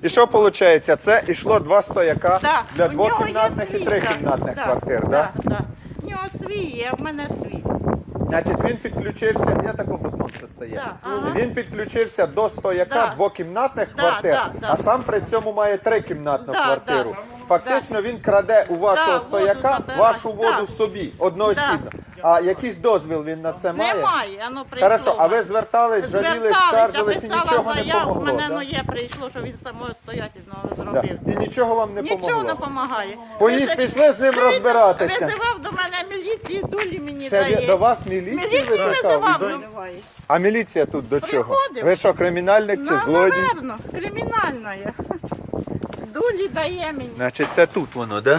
І що виходить? Це йшло 2 стояка Да, для у нього є двокімнатних і свій, трикімнатних да, квартир, так? да, да. У нього свій є, а в мене свій. Значить, він підключився, я такому сонце стає. Да, ага. Він підключився до стояка Да. двокімнатних Да, квартир, да, да. а сам при цьому має трикімнатну Да, квартиру. да. Фактично він краде у вашого Да, стояка воду забирає. вашу воду Да. собі, одноосібно. А якийсь дозвіл він на це має? Немає, воно прийшло. Хорошо, а ви звертались, жалілись, скаржились і нічого не заяву, у помогло, мене да? є, прийшло, що він самостоятельно Да. зробив. І нічого вам не Нічого не помогло? допомагає. Пішли з ним розбиратися. Визивав до мене міліцію, дулі мені Це дає. до вас міліцію Міліцію викликав? визивав. А міліція тут до чого? Приходив. Ви що, кримінальник чи Ну, злодій? напевно, кримінальна є. Дулі дає мені. Значить, це тут воно, так? Да?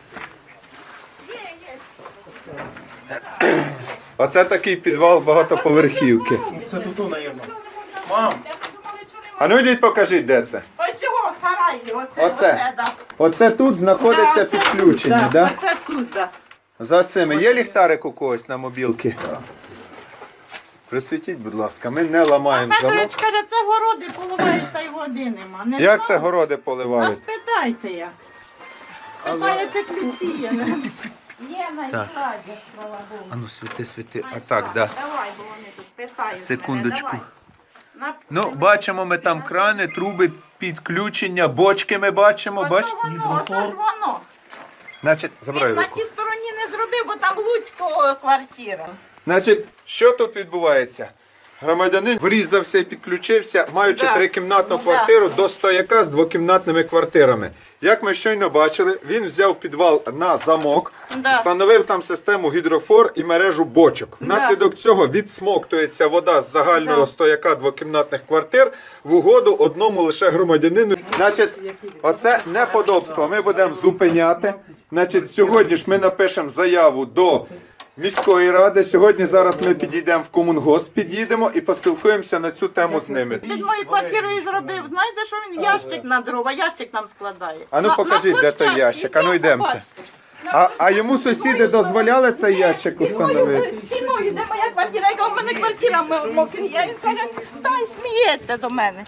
Оце такий підвал багатоповерхівки. Це тут, наверное. Мам, А ну йдіть покажіть, де це. Ось цього сараї, Оце? да. Оце тут знаходиться Да, оце підключення, тут, так? Оце тут, да. За цими. Є ліхтарик у когось на мобілки? Присвітіть, будь ласка, ми не ламаємо замок. Петрович каже, це городи поливають, та й води нема. Не Як знаю. це городи А поливають? спитайте як. Спитаю, чи ключі є. Є на складі, слава Богу. А ну світи. А так, так. Да. Давай, бо вони тут питають Секундочку. мене, давай. Ну, бачимо ми там крани, труби, підключення, бочки ми бачимо, бачите? Ото воно. Значить, забирай Він на руку. тій стороні не зробив, бо там Луцького квартира. Значить, що тут відбувається? Громадянин врізався і підключився, маючи Да. трикімнатну Да. квартиру до стояка з двокімнатними квартирами. Як ми щойно бачили, він взяв підвал на замок, Да. встановив там систему гідрофор і мережу бочок. Внаслідок цього відсмоктується вода з загального Да. стояка двокімнатних квартир в угоду одному лише громадянину. Значить, оце неподобство ми будемо зупиняти. Значить, сьогодні ж ми напишемо заяву до міської ради. Сьогодні зараз ми підійдемо в комунгосп, під'їдемо і поспілкуємося на цю тему з ними. Під мою квартиру і зробив. Знаєте, що він ящик на дрова, ящик нам складає. А ну покажіть, де той ящик. А ну йдемте. А йому сусіди дозволяли цей ящик установити? Стіною, де моя квартира, яка в мене квартира мокріє. Він каже, дай сміється до мене.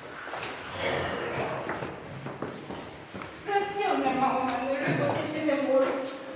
Красив нема у мене, виходити не можу.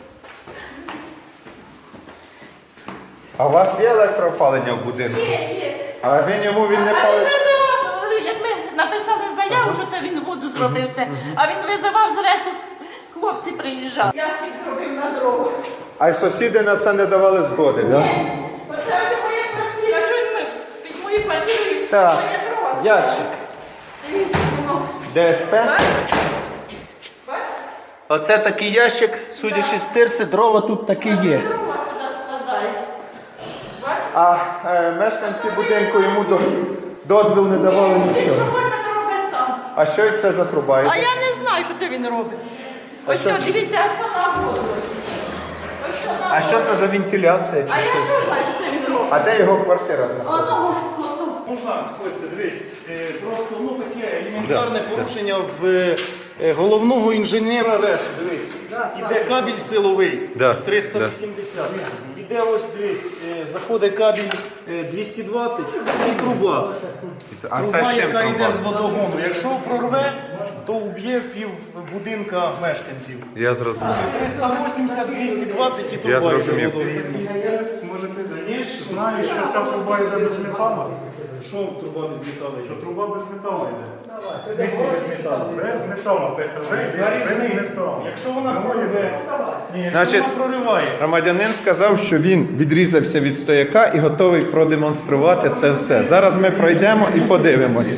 А у вас є електроопалення в будинку? Є. А він йому він не А він палить? визивав, як ми написали заяву, що це він воду зробив це, а він визивав з ресу, хлопці приїжджали. Ящик зробив на дрова. А й сусіди на це не давали згоди, так? Да? Оце ось моя квартира, що він під мою квартиру Так, моє дрова складає. ящик. Дивіться, воно. ДСП? Бачите? Оце такий ящик, судячи з тирси, дрова тут такі є. Дрова сюди складає. Бачите? А мешканці будинку йому дозвіл не давали Він що нічого. хоче, то робить сам. А що це за труба? А я не знаю, що це він робить. Ось що що, це? дивіться, аж що на воду. Ось що на А що це за вентиляція чи А я що що це? знаю, що це він робить. А де його квартира знаходиться? Воно. можна, Костя, дивись, просто таке елементарне порушення в головного інженера РЕСу, дивись. Іде кабель силовий, Да, 380. Іде ось, дивись, заходить кабель 220 і труба. А це Труба, з чим яка труба? йде з водогону. Якщо прорве, то вб'є пів будинка мешканців. Я зрозумів. 380, 220 і труба. Я зрозумів. йде водогону. Може ти знаєш, що ця труба йде без металу? Що труба без металу? Що труба без металу йде? В смислі без металу? Без металу, ПХВ Яка йде без різниця? металу. Якщо вона прориве, якщо Значить, вона прориває, громадянин сказав, що він відрізався від стояка і готовий продемонструвати це все. Зараз ми пройдемо і подивимось.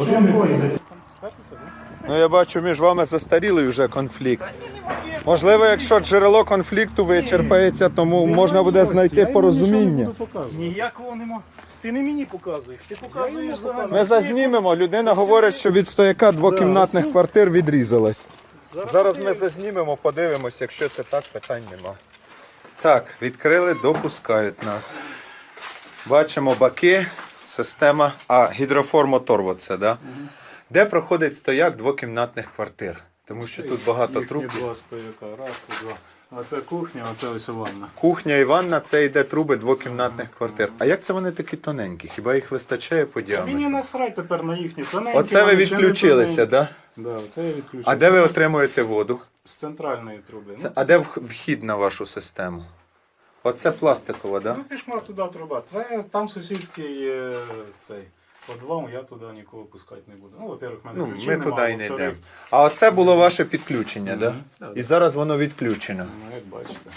Ну, я бачу, між вами застарілий вже конфлікт. Можливо, якщо джерело конфлікту вичерпається, тому можна буде знайти порозуміння. ніякого нема. Ти не мені показуєш, ти показуєш загально. Ми зазнімемо. Людина говорить, що від стояка двокімнатних квартир відрізалась. Зараз ми зазнімемо, подивимось, якщо це так, питань нема. Так, відкрили, допускають нас. Бачимо баки, система, гідрофор-мотор, оце, да? Де проходить стояк двокімнатних квартир? Тому що тут багато труб. Два стояка, раз і два. Оце кухня, оце ось ванна. Кухня і ванна це йде труби двокімнатних квартир. А як це вони такі тоненькі? Хіба їх вистачає по Мені діаметру? насрать тепер на їхні тоненькі. Оце ви вони чи не відключилися, тоненькі. так? Да, це я відключився. А де ви отримуєте воду? З центральної труби. А де вхід на вашу систему? Оце пластикова, так? Ну, пішла туди труба. Це там сусідський цей подвал, я туди нікого пускати не буду. Ну, во-первых, в мене Ну, ключів ми нема, туди і не во-вторых, йдемо. А оце було ваше підключення, так? Мгм. Да, І зараз воно відключено. Ну, як бачите.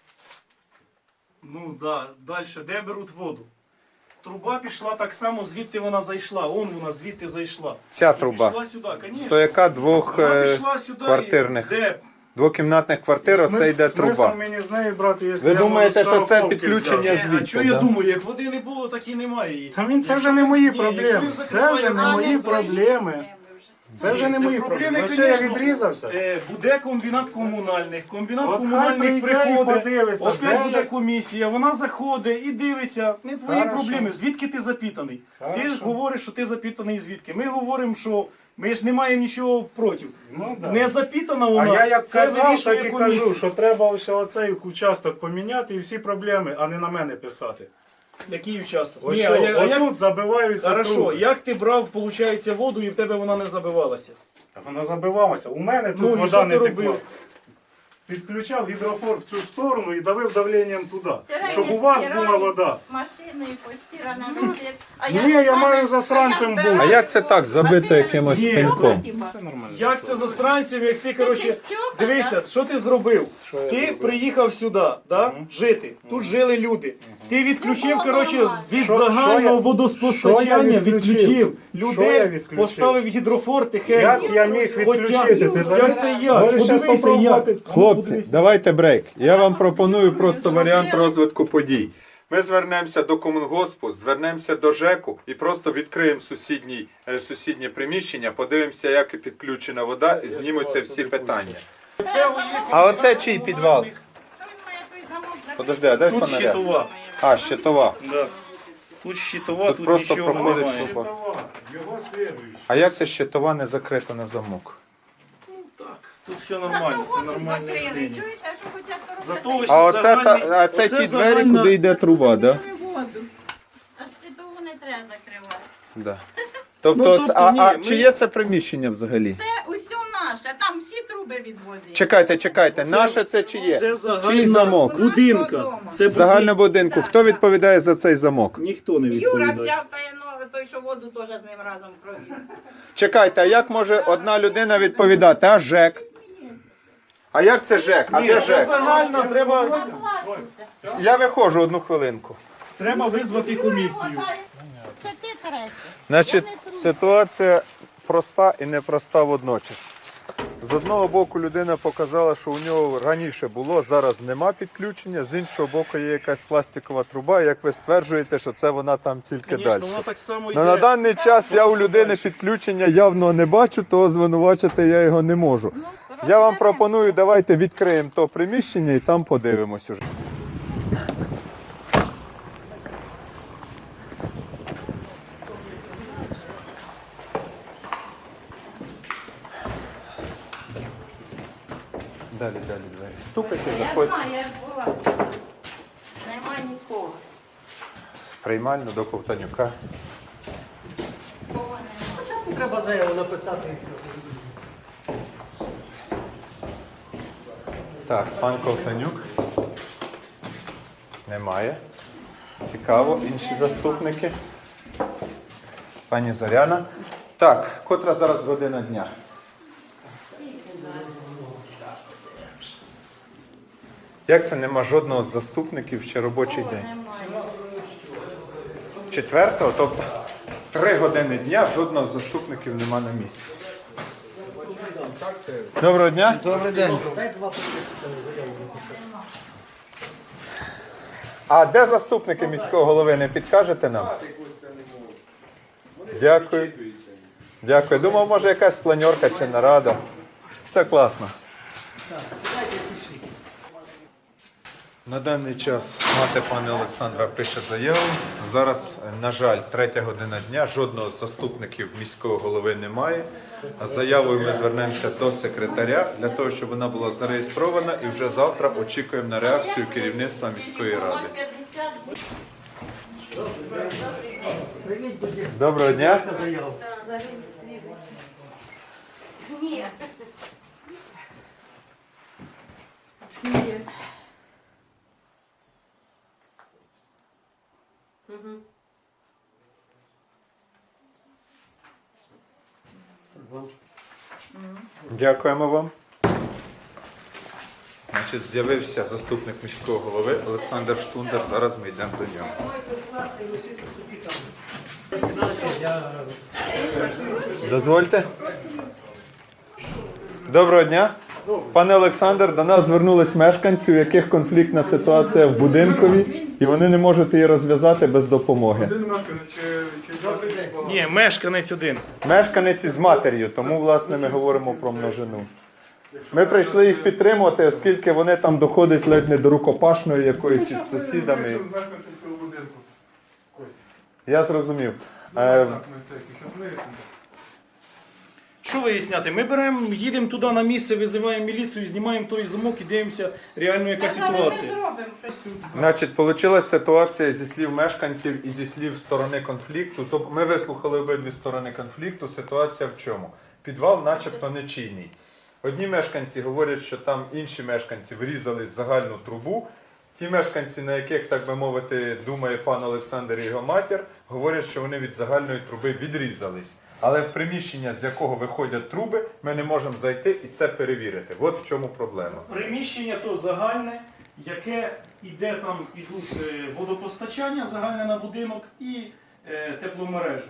Ну да, далі, де беруть воду? Труба пішла так само, звідти вона зайшла. Он вона звідти зайшла. Ця І труба. Пішла сюди, звісно. Стояка двох Вона пішла сюди. квартирних. Де? Двокімнатних квартир, оце йде Смисл труба. мені з неї брати, якщо Ви я думаєте, можу що це сороковки підключення взяти? звідти? А що я да? думаю, як води не було, так і немає її. Та це вже не мої Ні, проблеми. якщо він Це вже не закриває мої ванну, проблеми. Це вже не мої проблеми. Ну, що я відрізався? Буде комбінат комунальних. Комбінат От хай комунальних прийде і приходить, подивиться, опять де буде я- комісія, вона заходить і дивиться. Не твої Хорошо. проблеми, звідки ти запитаний. Ти ж Хорошо. говориш, що ти запитаний звідки. Ми говоримо, що ми ж не маємо нічого проти. Ну, да. Не запитана А вона, я як це казав, вирішує так і комісія. кажу, що треба ось оцей участок поміняти і всі проблеми, а не на мене писати. Який участок? Ось Ні, що, а як... отут забиваються Хорошо, труби. як ти брав, виходить, воду і в тебе вона не забивалася? Та вона забивалася. У мене тут Ну, і вода що не ти текла. робив? Підключав гідрофор в цю сторону і давив давленням туди. Стиральні Щоб у вас стирають, була вода. Машиною постирана висить. А Ні, я маю засранцем бути. А як це так, забито якимось Ні. пеньком? Це нормально. Як це за странців, як ти, Це коротше, чистюка, дивися, що ти зробив? Що я Ти зробив? приїхав сюди, да, жити, тут жили люди. Ти відключив, Все було коротше, нормально. від Що загального я водоспостачання відключив? відключив. Що я Людей відключив? поставив гідрофор тихенько. Як я міг відключити? Ти Як це як? Можеш щас Подивися, попробувати. як. Хлопці, Подивися. давайте брейк. Я вам пропоную просто варіант розвитку подій. Ми звернемося до комунгоспу, звернемося до ЖЕКу і просто відкриємо сусіднє приміщення, подивимося, як підключена вода, і знімуться всі питання. А оце чий підвал? Подожди, а дай Тут фонаря. щитова. А, щитова. Да. Тут щитова, Тут тут просто нічого проходить немає. труба. Його слідуючий. А як це щитова не закрита на замок? Так, тут все нормально, це нормальне явлення. Чуєте, що хочуть Зато ось А оце, загальний- а це оце ті двері, загальна- куди йде труба, так? воду. А щитову не треба закривати. Да? Тобто, Ну, тобто ні, а ми- чи є це приміщення взагалі? Це усе наше, там всі труби від води. Чекайте, наше це чи є? Це Чий загальна замок? будинка. Це Загального будинку. Хто відповідає за цей замок? Ніхто не Юра відповідає. взяв той, що воду теж з ним разом провів. Чекайте, а як може одна людина відповідати? А ЖЕК? А як це ЖЕК? А Ні, де це ЖЕК? загальна, Я виходжу одну хвилинку. треба визвати комісію. Це ти третій. Значить, ситуація проста і непроста водночас. З одного боку людина показала, що у нього раніше було, зараз нема підключення, з іншого боку є якась пластикова труба, і як ви стверджуєте, що це вона там тільки далі. Звісно, вона так само Ну, на йде. даний час я у людини підключення явно не бачу, того звинувачити я його не можу. Я вам пропоную, давайте відкриємо то приміщення і там подивимось уже. Далі двері. Стукайте, Я заходьте. знаю, я ж була. Нема нікого. З приймально до Ковтанюка. Кого нема. Треба заяву написати. Так, пан Ковтанюк. Немає. Цікаво, інші заступники. Пані Зоряна. Так, котра зараз година дня? Як це нема жодного з заступників чи робочий день? Немає. 4-го, тобто 3 години дня, жодного з заступників нема на місці. Доброго дня. Добрий день. А де заступники міського голови, не підкажете нам? Дякую. Дякую. Думав, може якась планерка чи нарада. Все класно. На даний час мати пана Олександра пише заяву. Зараз, на жаль, 3 година дня, жодного з заступників міського голови немає. А з заявою ми звернемося до секретаря для того, щоб вона була зареєстрована, і вже завтра очікуємо на реакцію керівництва міської ради. Доброго дня. Ні. Дякуємо вам. Значить, з'явився заступник міського голови Олександр Штундер. Зараз ми йдемо до нього. Дозвольте. Доброго дня. Пане Олександр, до нас звернулись мешканці, у яких конфліктна ситуація в будинкові, і вони не можуть її розв'язати без допомоги. Ні, мешканець один. Мешканець із матір'ю, тому, власне, ми говоримо про множину. Ми прийшли їх підтримувати, оскільки вони там доходять ледь не до рукопашної якоїсь із сусідами. Я зрозумів. Що виясняти? Ми беремо, їдемо туди на місце, визиваємо міліцію, знімаємо той замок і дивимося реально, яка ситуація. Значить, вийшла ситуація зі слів мешканців і зі слів сторони конфлікту. Ми вислухали обидві сторони конфлікту. Ситуація в чому? Підвал начебто нечийний. Одні мешканці говорять, що там інші мешканці врізались в загальну трубу. Ті мешканці, на яких, так би мовити, думає пан Олександр і його матір, говорять, що вони від загальної труби відрізались. Але в приміщення, з якого виходять труби, ми не можемо зайти і це перевірити. От в чому проблема. Приміщення то загальне, яке іде там, ідуть водопостачання загальне на будинок і тепломережа.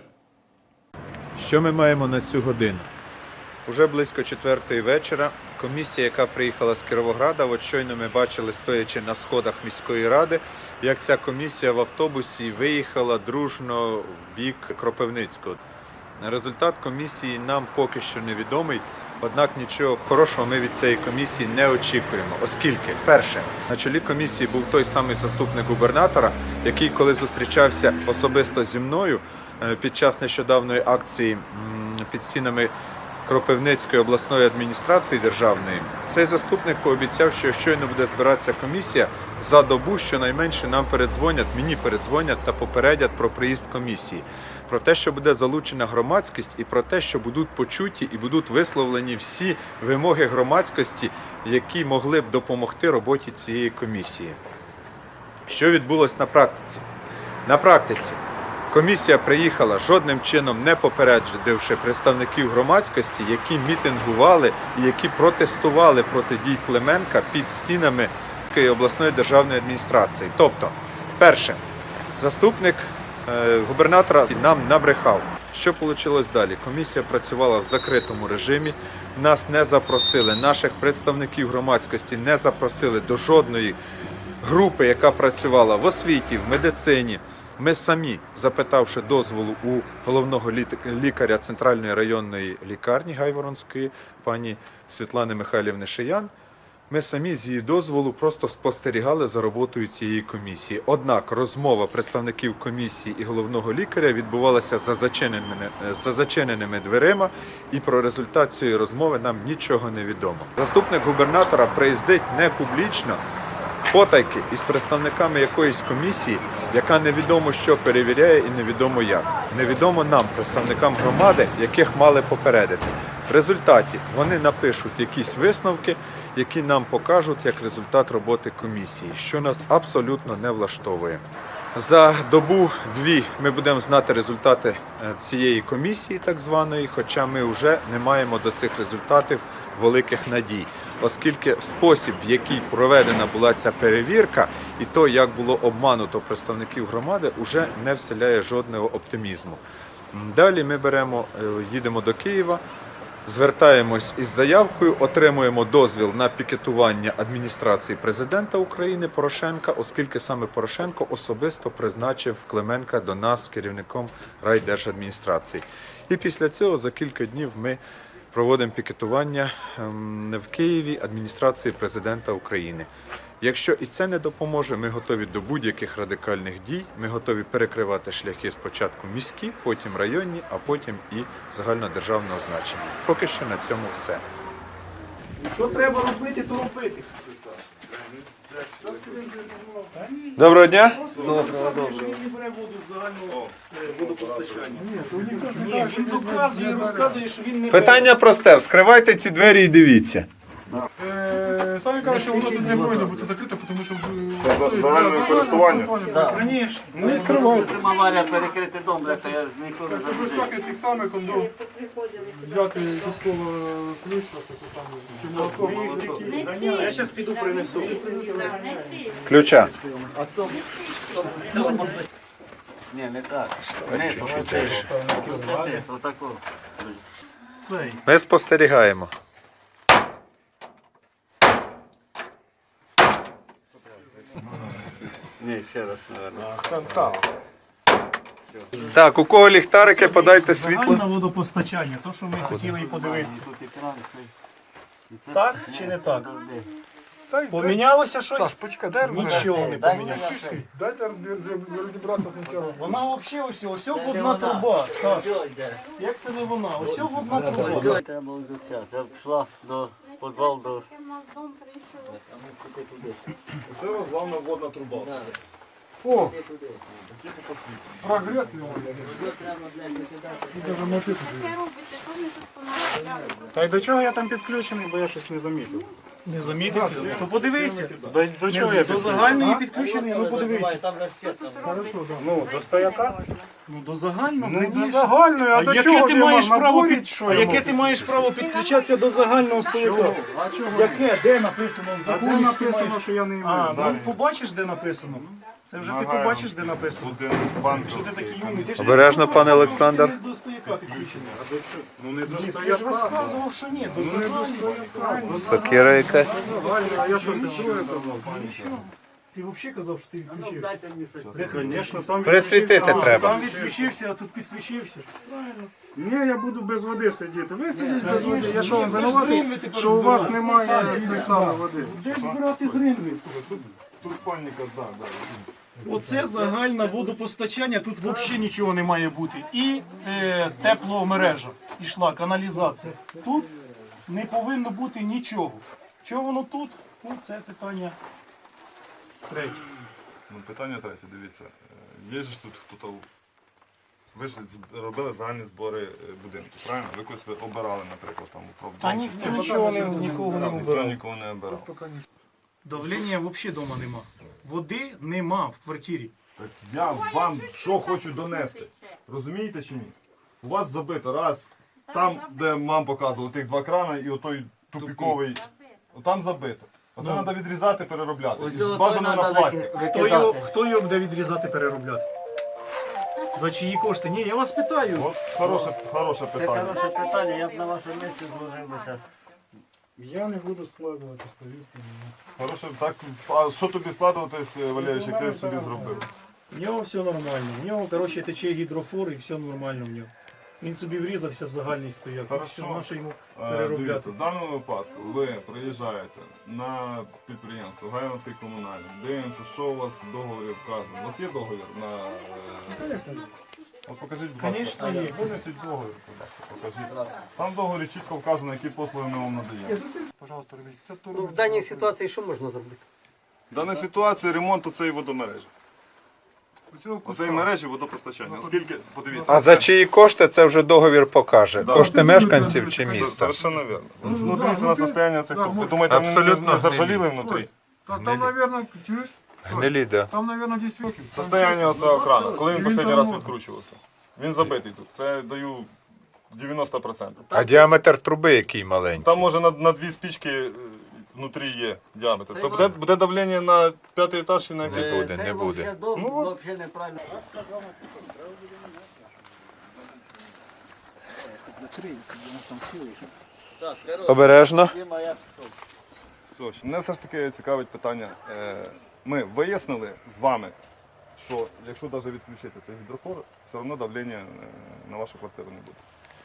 Що ми маємо на цю годину? Уже близько 4-ї вечора комісія, яка приїхала з Кіровограда, от щойно ми бачили, стоячи на сходах міської ради, як ця комісія в автобусі виїхала дружно в бік Кропивницького. Результат комісії нам поки що невідомий, однак нічого хорошого ми від цієї комісії не очікуємо, оскільки, перше, на чолі комісії був той самий заступник губернатора, який, коли зустрічався особисто зі мною під час нещодавної акції під стінами Кропивницької обласної адміністрації державної, цей заступник пообіцяв, що щойно буде збиратися комісія, за добу щонайменше нам передзвонять, мені передзвонять та попередять про приїзд комісії. Про те, що буде залучена громадськість і про те, що будуть почуті і будуть висловлені всі вимоги громадськості, які могли б допомогти роботі цієї комісії. Що відбулося на практиці? На практиці комісія приїхала жодним чином не попередивши представників громадськості, які мітингували і які протестували проти дій Клименка під стінами обласної державної адміністрації. Тобто, перше, заступник губернатора нам набрехав. Що вийшло далі? Комісія працювала в закритому режимі, нас не запросили, наших представників громадськості не запросили до жодної групи, яка працювала в освіті, в медицині. Ми самі, запитавши дозволу у головного лікаря Центральної районної лікарні Гайворонської, пані Світлани Михайлівни Шиян, ми самі з її дозволу просто спостерігали за роботою цієї комісії. Однак розмова представників комісії і головного лікаря відбувалася за зачиненими дверима, і про результат цієї розмови нам нічого не відомо. Заступник губернатора приїздить не публічно, потайки із представниками якоїсь комісії, яка невідомо що перевіряє і невідомо як. Невідомо нам, представникам громади, яких мали попередити. В результаті вони напишуть якісь висновки, які нам покажуть як результат роботи комісії, що нас абсолютно не влаштовує. За добу-дві ми будемо знати результати цієї комісії, так званої, хоча ми вже не маємо до цих результатів великих надій, оскільки спосіб, в який проведена була ця перевірка, і то, як було обмануто представників громади, вже не вселяє жодного оптимізму. Далі ми їдемо до Києва, звертаємось із заявкою, отримуємо дозвіл на пікетування адміністрації президента України Порошенка, оскільки саме Порошенко особисто призначив Клименка до нас керівником райдержадміністрації. І після цього за кілька днів ми проводимо пікетування в Києві адміністрації президента України. Якщо і це не допоможе, ми готові до будь-яких радикальних дій. Ми готові перекривати шляхи спочатку міські, потім районні, а потім і загальнодержавного значення. Поки що на цьому все. Що треба робити, то робити. Доброго дня! Що він не бере воду з загального водопостачання. Ні, він доказує, розказує, що він не бере. Питання просте. Вскривайте ці двері і дивіться. Самі кажуть, що воно тут не повинно бути закрите, тому що Це загальне користування. Звісно. Ну, відкривайте. Аварія перекрити дом, бляха, я ніколи не Щоб всякий тих самих кондом взяти додатково ключ, чи молоток. Я зараз піду принесу. Ключа. Ні, не так. Не, отако. Цей. Ми спостерігаємо. Ні, ще раз, мабуть. Так, у кого ліхтарики, подайте світло. Загальне водопостачання, то, що ми хотіли і подивитися. Тут екран цей. Так чи не так? Завжди. Помінялося щось? Почекай, дай Нічого не помінялося. Дайте розібратися спочатку. Вона взагалі ось водна труба, Саш. Як це не вона? Ось водна труба. Треба взяття. Це пішла до підвал до... Це розглавна водна труба. О, прогрес його. Та й до чого я там підключений, бо я щось не замітив. Не замітив? То подивися. До чого я До загальної підключений, ну подивися. Ну, до стояка? Ну до загального. Ну, до раніше. загальної, а до яке чого ти ж я маєш мав право наборі, під... що А я яке мав? ти маєш право підключатися до загального стояка? Яке? Де написано? В А законі, де що написано, маєш? що я не А, маю? ну побачиш, де написано. Це вже ти побачиш, де написано. Будинок Що ти банківський. такий юний? Ти ж Обережно, пане розказував, Олександр. що ти До стояка підключений. Ну не до Ти ж стояка. розказував, що ні, до загального. Сокира якась. А я щось друге казав. Ти взагалі казав, що ти відключився. Звісно, там Присвітити відключився. треба. Там відключився, а тут підключився. Ні, я буду без води сидіти. Ви сидіть без води. Я що вам Де ж винуватий, зринви тепер що у вас збирати? немає цієї самої води? Де ж збирати зринви? Турпальника, так, так. Оце загальне водопостачання, тут взагалі нічого не має бути. І тепломережа ішла, каналізація. Тут не повинно бути нічого. Чого воно тут? Ну, це питання третє. Ну, питання третє, дивіться. Є ж тут хто-то. Ви ж робили загальні збори будинку, правильно? Ви когось обирали, наприклад, там управдом. Та ніхто нічого нікого не Ніхто обирав. нікого не обирав. Давлення взагалі вдома нема. Води нема в квартирі. Так я вам що хочу донести. Розумієте чи ні? У вас забито раз, там, де мам показувала, тих два крана і отой тупіковий, там забито. Оце треба відрізати, переробляти. І бажано на пластик. Хто його буде відрізати, переробляти? За чиї кошти? Ні, я вас питаю. От хороше Це питання. хороше питання, я б на вашому місці зложився. Я не буду складуватись, повірте мені. Хороше, так, а що тобі складуватись, Валерійович, як ти собі зробив? В нього все нормально. В нього, коротше, тече гідрофор і все нормально в нього. Він собі врізався в загальний стояк. Хорошо. Все, наше йому Дивіться, переробляти. в даному випадку ви приїжджаєте на підприємство Гаянське комунальне, дивимося, що у вас в договорі вказано. У вас є договір на... От покажіть, будь ласка. Конечно, є. Винесіть договір, будь ласка, покажіть. Там в договорі чітко вказано, які послуги ми вам надаємо. Пожалуйста, робіть. Хто то Ну, робить? в даній ситуації що можна зробити? В даній ситуації ремонт цієї водомережі. Оцього куска. Оцеї мережі водопостачання. Оскільки, подивіться. А за чиї кошти це вже договір покаже. Да. Кошти мешканців чи Це міста. совершенно верно. Ну, дивіться на состояние цих труб. Ви думаєте, вони Абсолютно не заржавіли внутрі? Там, наверное, чуєш? Гнилі, да. Там, наверное, 10 років. Состояние оцього крана, коли він Він останній там раз може. відкручувався. Він забитий тут. Це даю 90%. А діаметр труби який маленький. Там може на дві спічки внутрі є діаметр. То буде давлення на п'ятий етаж і на який? Не буде, Це не буде. взагалі дом, Ну, от. взагалі неправильно. Обережно. Все, мене все ж таки цікавить питання. Ми вияснили з вами, що якщо навіть відключити цей гідрофор, все одно давлення на вашу квартиру не буде.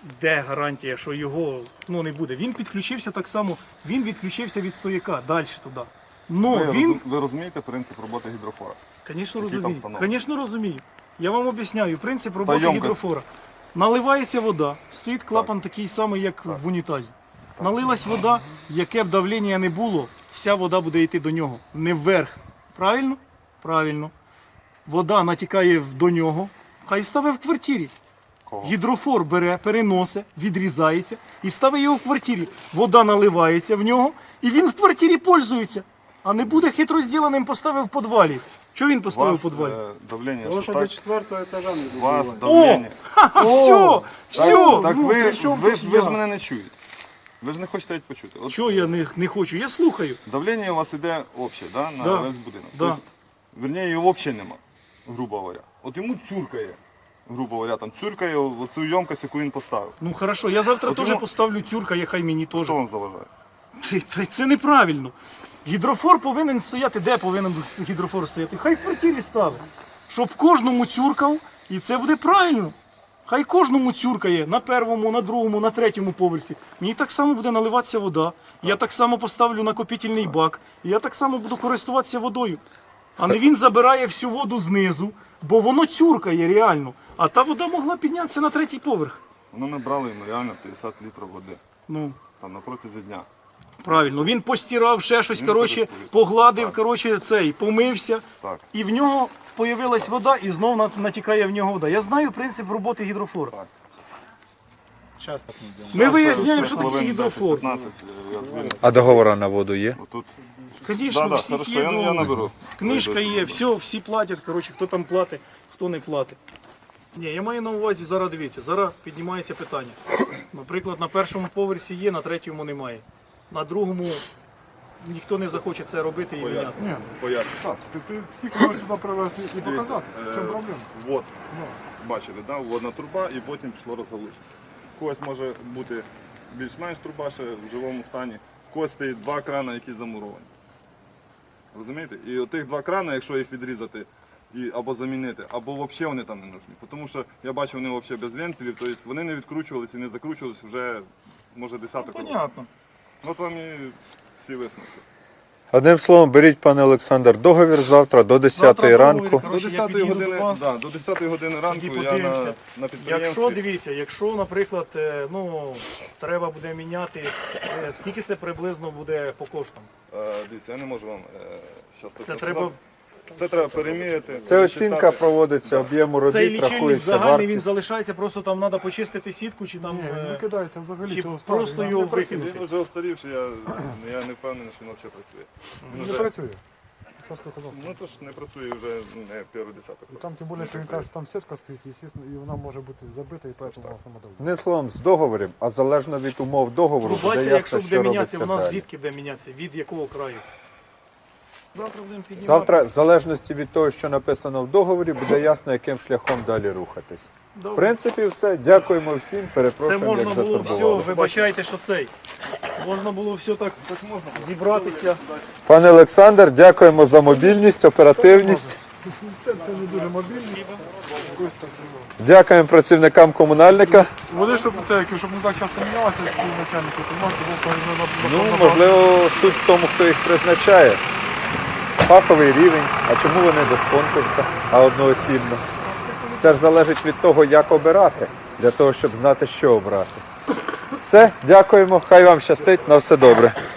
де гарантія, що його не буде? Він підключився так само, він відключився від стояка далі туди. Ви розумієте принцип роботи гідрофора? Звісно, Який там розумію. встановлений? Звісно, розумію. Я вам об'ясняю принцип роботи ємкость. гідрофора. Наливається вода, стоїть клапан такий самий, як в унітазі. Налилась вода, яке б давлення не було, вся вода буде йти до нього, не вверх. Правильно? Правильно. Вода натікає до нього, хай ставить в квартирі. Гідрофор бере, переносить, відрізається і ставить його в квартирі. Вода наливається в нього, і він в квартирі пользується. А не буде хитро зділеним, поставив в підвалі. Чого він У поставив вас в підвалі? давлення, Тому що що до так? 4-го етажа не У вас добиває. давлення. Все, все. Так при чому ви тут ж я? мене не чуєте. Ви ж не хочете навіть почути. От Чого я не хочу? Я слухаю. давлення у вас іде обще, да, на Да. весь будинок. Да. Тобто, верніше, його взагалі нема, грубо говоря. От йому цюркає, грубо говоря, там цюркає оцю ємкость, яку він поставив. Ну хорошо, я завтра От теж йому- поставлю цюрка, хай мені теж. Хто вам заважає? Це неправильно. Гідрофор повинен стояти, де повинен гідрофор стояти? Хай в квартирі ставить. Щоб кожному цюркав, і це буде правильно. Хай кожному цюркає на першому, на другому, на третьому поверсі. Мені так само буде наливатися вода. Я так само поставлю накопительний бак. І я так само буду користуватися водою. А не він забирає всю воду знизу, бо воно цюркає реально. А та вода могла піднятися на третій поверх. Воно набрало йому реально 50 літрів води. Ну, Там на протязі дня. правильно. Він постирав ще щось, Він коротше, користується. погладив, Так. коротше, помився. Так. І в нього появилась вода, і знов натікає в нього вода. Я знаю принцип роботи гідрофора. Так. Щас так не йде. Ми виясняємо, що Хвилин таке гідрофор. 10-15 я звільнюся. А договора на воду є? Отут. Звісно, Да, всіх хорошо, є я договір. наберу. Книжка Вийду. є, все, всі платять, коротше, хто там платить, хто не платить. Ні, я маю на увазі, зараз дивіться, зараз піднімається питання. Наприклад, на першому поверсі є, на третьому немає. На другому ніхто не захоче це робити і міняти. Ні, Поясню. так, ти всіх можеш сюди привезти і показати. В чому проблема? Вот. Бачили, да? Водна труба і потім пішло розгалуження. В когось може бути більш-менш труба ще в живому стані. В когось стоїть два крана, які замуровані. Розумієте? І отих два крана, якщо їх відрізати або замінити, або взагалі вони там не нужні. Тому що я бачу, вони взагалі без вентилів, тобто вони не відкручувалися і не закручувалися вже, може, десяток років. Понятно. От вам і всі висновки. Одним словом, беріть, пане Олександр, договір завтра до 10 Завтра ранку. договір, До коротше, я 10 під'їду години, до вас. да, до 10 години ранку Тоді я подивимося. на підприємстві. Якщо, дивіться, якщо, наприклад, треба буде міняти, скільки це приблизно буде по коштам? Дивіться, я не можу вам зараз Це треба, Це треба переміряти. Це оцінка проводиться об'єму цей робіт, лічильник рахується загальний, він вартість. залишається, просто там треба почистити сітку, чи там, Ні, він не кидається взагалі. чи того просто ставлю. його Не працює. викинути. Він вже остарівший, я не впевнений, що він взагалі працює. Він Не вже- працює. Що сказав? Ну то ж не працює вже не перший десяток. І там тим більше, що він каже, що там сітка стоїть, звісно, і вона може бути забита, і поэтому вона сама давить. Одним словом, з договором, а залежно від умов договору, буде Трубація, якщо ясно, буде що мінятися, робиться вона далі. звідки буде мінятися? Від якого краю? Завтра будемо піднімати. Завтра, в залежності від того, що написано в договорі, буде ясно, яким шляхом далі рухатись. В Добре. принципі, все. Дякуємо всім. Це Перепрошуємо, можна як було все, затурбували. вибачайте, що цей. Можна було все так зібратися. Пане Олександр, дякуємо за мобільність, оперативність. Це не дуже мобільний. Дякуємо працівникам комунальника. Вони, щоб не так часто мінялися, ці начальники, то можна було Ну, можливо, суть в тому, хто їх призначає. Фаховий рівень. А чому вони без конкурсу, а одноосібно? Це ж залежить від того, як обирати, для того, щоб знати, що обрати. Все, дякуємо, хай вам щастить, на все добре.